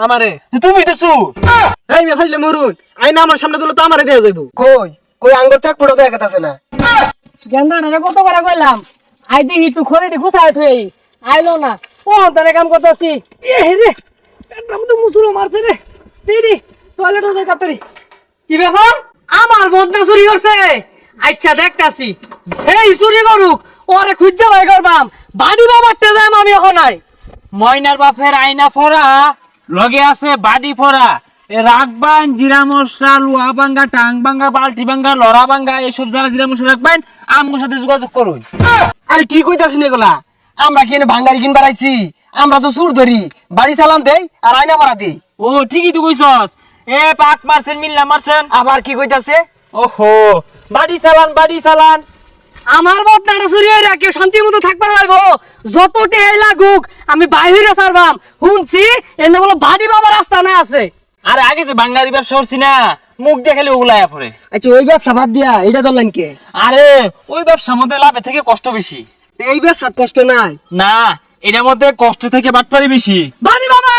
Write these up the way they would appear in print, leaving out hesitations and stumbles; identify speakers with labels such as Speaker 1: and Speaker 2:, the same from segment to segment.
Speaker 1: আমারে
Speaker 2: তুমি তো চুর।
Speaker 1: এই মে ফাইলে মরুন আইনা আমার সামনে দিলে তো আমারে দেয়া যাইবো
Speaker 3: কই কই আঙ্গুর চাক পড়ে দেখা আছে না
Speaker 4: গেন্দাটা কত করে কইলাম আই দেখি তুই খড়ি গুছায় থই আইলো না ও তারে কাম করতেছি এ রে পেটটা মতো মুসুরো মারছে রে দিদি টয়লেটে যাই তাড়াতাড়ি কি ব্যাপার আমার বদনা চুরি করছে আচ্ছা দেখতাছি এই চুরি করুক ওরে খুঁজে বাই করবাম বাড়ি বাবারটা যাম আমি এখন নাই
Speaker 2: ময়নার বাপের আয়না ফোড়া লগে আছে বাড়ি ফোড়া রাখবেন জিরা মশলা লুয়া ভাঙ্গা টাং ভাঙ্গা বালতি ভাঙ্গা লড়া ভাঙ্গা এইসব যারা জিরা মশলা রাখবেন আমার সাথে যোগাযোগ করুন।
Speaker 3: আরে কি কইতাছিস এগুলা আমরা কি এনে ভাঙ্গারি কিনবার আইছি আমরা তো সুর ধরি বাড়ি চালান দেই আর আয়না ভাড়া দেই
Speaker 2: ও ঠিকই তো কইছস এ পাক মারছেন মিল্লা মারছেন
Speaker 3: আবার কি কইতাছে
Speaker 2: ওহো বাড়ি চালান
Speaker 4: আমার বদনাটা চুরি হয়ে কেউ শান্তি মতো থাকবার পারবো যত টেহাই লাগুক আমি বাইরে ছাড়বাম শুনছি এনে বলো বাড়ি বাবার রাস্তা না আছে
Speaker 2: আরে আগে যে বাঙালি ব্যবসা করছি না মুখ দেখালে ওগুলায় পড়ে।
Speaker 3: আচ্ছা ওই ব্যবসা বাদ দিয়া এটা ধরলেন কে
Speaker 2: আরে ওই ব্যবসার মধ্যে লাভের থেকে কষ্ট বেশি।
Speaker 3: এই ব্যবসা কষ্ট নাই
Speaker 2: না এটার মধ্যে কষ্ট থেকে বাটপারি বেশি।
Speaker 4: বাড়ি বাবা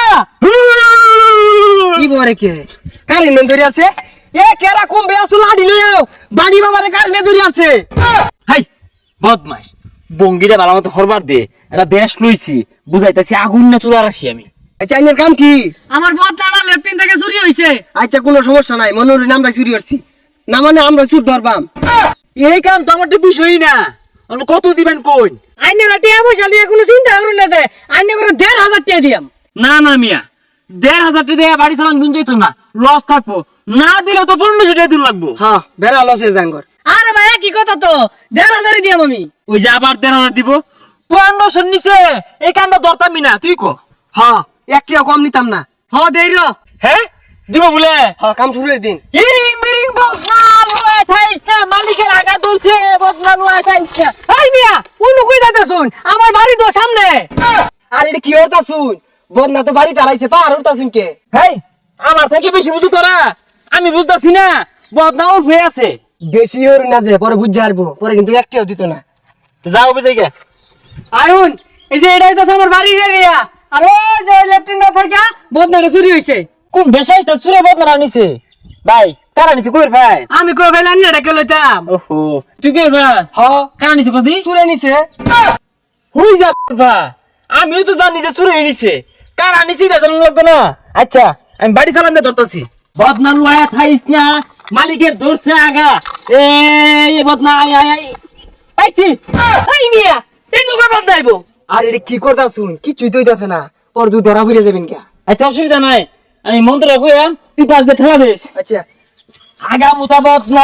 Speaker 3: কি বরে কে কারেন্ট ধরে আছে এ কেরা কম বেয়াসু লাডি লইও বাড়ি বাবারে কারেন্ট ধরে আছে
Speaker 2: হাই বদমাস বঙ্গিরে ভালো মতো হরবার দে এটা দেশ লইছি বুঝাইতেছি আগুন না চুলার আসি আমি।
Speaker 3: আচ্ছা আইনের কাম কি
Speaker 4: আমার বদনাটা লেফটিন থেকে চুরি হইছে
Speaker 3: আচ্ছা কোনো সমস্যা নাই মনে হলো আমরা চুরি করছি না মানে আমরা চুর ধরবাম
Speaker 2: এই কাম তো আমার তো বিষয়ই না অন্য কত দিবেন কোন
Speaker 4: আইনের টিয়া পয়সা নিয়ে কোনো চিন্তা করুন না যে আইনে করে 1,500 টাকা দিয়াম
Speaker 2: না না মিয়া 1,500 টাকা দিয়ে বাড়ি চালান দিন যেত না লস থাকবো না দিলে তো 1500 টাকা দিন লাগবো।
Speaker 3: হ্যাঁ বেড়া লসে জাঙ্গর
Speaker 4: আরে ভাই কি কথা তো 1,500 দিয়াম আমি
Speaker 2: ওই যে আবার 1,500 দিব 1500 নিচে এই কামটা দরতামই না তুই কো।
Speaker 3: হ্যাঁ একটিও কম নিতাম না
Speaker 4: হ দেই র
Speaker 2: হ্যাঁ দিব বলে
Speaker 3: হ্যাঁ কাম শুরুর দিন
Speaker 2: ইরিং মিরিং বদনা লয় থাইছে মালিকের আগা দলছে বদনা লয় থাইছে।
Speaker 4: এই মিয়া উনু কই যাইতা শুন আমার বাড়ি তো সামনে
Speaker 3: আর এটা কি হতা শুন বদনা তো বাড়ি তারাইছে পার হতা শুন কে
Speaker 2: হেই আমার থেকে বেশি বুঝু তোরা আমি বুঝতাছি না বদনা উঠে আছে।
Speaker 3: বেশি হরু না যে পরে বুঝ যারবো পরে কিন্তু একটিও দিত না
Speaker 2: যাও বুঝাই গে
Speaker 4: আয়ুন এই যে এটাই তো আমার বাড়ির এরিয়া আর ওই যে লেফটিনটা থেকে বদনাটা চুরি হইছে
Speaker 2: কোন বেশাইছে সুরে বদনা নিছে ভাই কারা নিছে কইর ভাই
Speaker 4: আমি কই ফেলান না এটা কে লইতাম
Speaker 2: ওহো তুই কইর ভাই
Speaker 3: হ্যাঁ
Speaker 2: কারা নিছে কদি
Speaker 3: চুরে নিছে
Speaker 2: হই যা ভাই আমিও তো জানি যে সুরে নিছে কারা নিছে এটা জানা লাগতো না। আচ্ছা আমি বাড়ি চালান দে ধরতাছি বদনা লয়া থাইস না মালিকের ধরছে আগা এই বদনা আই আই আই পাইছি।
Speaker 4: এই মিয়া এই নুকা বদনাইবো
Speaker 3: আর এটা কি করতা শুন কিছুই তৈতাছে না পর দু ধরা ফিরে যাবেন কে
Speaker 2: আচ্ছা অসুবিধা নাই আমি মন্ত্র কইয়াম তুই পাঁচ দিয়ে ঠেলা দিস
Speaker 3: আচ্ছা
Speaker 2: আগা মুতা বদনা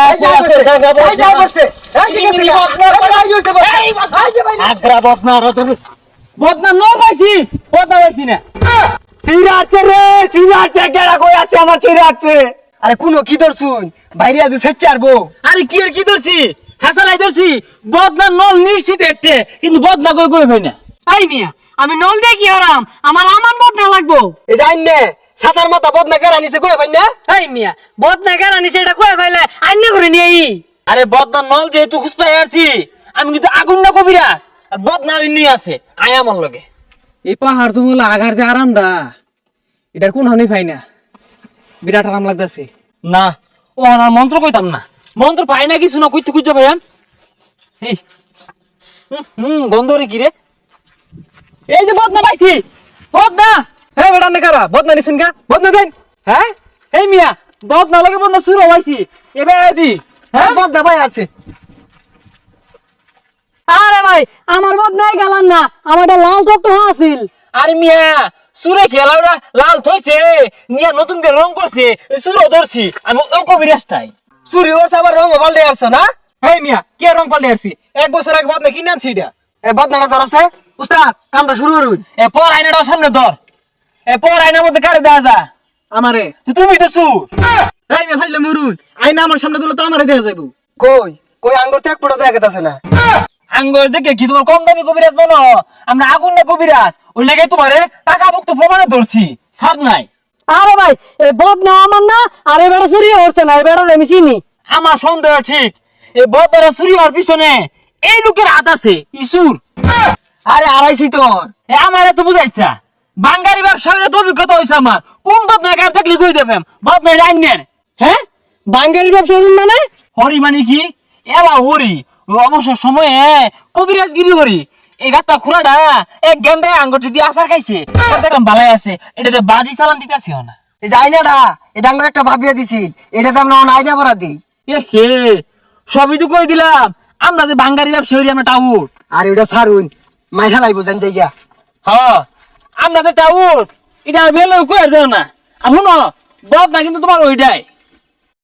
Speaker 2: আগ্রা বদনা রতন বদনা ন পাইছি বদনা পাইছি না
Speaker 3: চিরাচ্ছে রে চিরাচ্ছে কেডা কই আছে আমার চিরাচ্ছে আরে কোনো কি ধর শুন বাইরে আজ সেচ্ছে আরবো
Speaker 2: আরে কি আর কি ধরছি হাসারাই ধরছি বদনা নল নিশ্চিত একটা কিন্তু বদনা কই কই ভাই না।
Speaker 4: এই মিয়া আমি নল দিয়ে কি হারাম আমার বদনা লাগবো
Speaker 3: এই যাই নে সাতার মাথা বদনা কেরা নিছে কই ভাই না
Speaker 4: এই মিয়া বদনা কেন নিছে এটা কই ফেলে আইনে করে নিয়ে আই
Speaker 2: আরে বদনা নল যেহেতু খুঁজপাই আসছি আমি কিন্তু আগুন না কবিরাজ আর বদনা নিয়ে আছে আয় আমার লগে।
Speaker 1: এই পাহাড় জঙ্গল আগার যে আরামটা এটার কোন হানি পাই না বিরাট আরাম লাগতেছে
Speaker 2: না ও আমার মন্ত্র কইতাম না মন্ত্র পাই না কিছু না কইতে খুঁজে ভাইয়ান এই গন্ধ রে কি রে এই যে বদনা পাইছি বদনা
Speaker 1: হ্যাঁ বেটা নে কারা বদনা নিছেন কা বদনা দেন
Speaker 2: হ্যাঁ এই মিয়া বদনা লাগে বদনা শুরু হইছি এবার দি
Speaker 3: হ্যাঁ বদনা ভাই আছে
Speaker 4: আরে ভাই আমার বদনাই গেলাম না আমারটা লাল টকটো আছিল
Speaker 2: আরে মিয়া সুরে খেলাওরা লাল থইছে নিয়া নতুন করে রং করছে সুরো ধরছি আমি ওই কবিরাজটাই
Speaker 3: চুরি ওর আবার রং পাল্টে আসছে না
Speaker 1: হেই মিয়া কে রং পাল্টে আসছি 1 বছর আগে বদনা কিনে আনছি এটা
Speaker 3: এ বদনাটা ধরছে উস্তাদ কামটা শুরু করুন
Speaker 2: এ পর আয়নাটা সামনে ধর এ পর আয়নার মধ্যে কারে দেয়া যা
Speaker 1: আমারে
Speaker 2: তুমি তো চুর।
Speaker 1: এই মে ফাইলে মরুন আইনা আমার সামনে দিলে তো আমারে দেয়া যাইবো
Speaker 3: কই কই আঙ্গুর চাক পড়ে দেখা আছে না
Speaker 2: আঙ্গুর দেখে কি তোমার কম দামি কবিরাজ বানো আমরা আগুন না কবিরাজ ওই লেগে তোমারে টাকা মুক্ত প্রমাণে ধরছি ছাড় নাই।
Speaker 4: আরে ভাই এই বদনা আমার না আর এই বেটা চুরি হচ্ছে না এই বেটা আমি চিনি
Speaker 2: আমার সন্দেহ ঠিক এই বদরা চুরি হওয়ার পিছনে এই লোকের হাত আছে ইসুর।
Speaker 3: আরে আড়াইছি তোর
Speaker 2: আমার এত বুঝাইছা বাঙ্গারি ব্যবসায়ীর তো অভিজ্ঞতা হয়েছে আমার কোন বদনা কার থাকলে কই দেবেন বদনা রান্নের
Speaker 4: হ্যাঁ বাঙ্গালির ব্যবসা করুন মানে
Speaker 2: হরি মানে কি এলা হরি ওই অবসর সময়ে কবিরাজগিরি হরি এই গাত্তা খুড়াটা এক গেন্দায় আঙ্গুটি দিয়ে আচার খাইছে দেখলাম ভালাই আছে এটাতে বাড়ি চালান দিতেছি না
Speaker 3: এই যে আইনাটা এটা আমরা একটা ভাবিয়া দিছিল এটাতে আমরা আইনা ভরা দিই
Speaker 2: এ হে সবই তো কই দিলাম আমরা যে বাঙ্গারি ব্যবসায়ী আমরা টাউট
Speaker 3: আর ওটা সারুন মাইঠা লাইব জান জায়গা
Speaker 2: হ্যাঁ আমরা তো টাউট এটা বেলো কই আর যাও না আর শুনো বদনা কিন্তু তোমার ওইটাই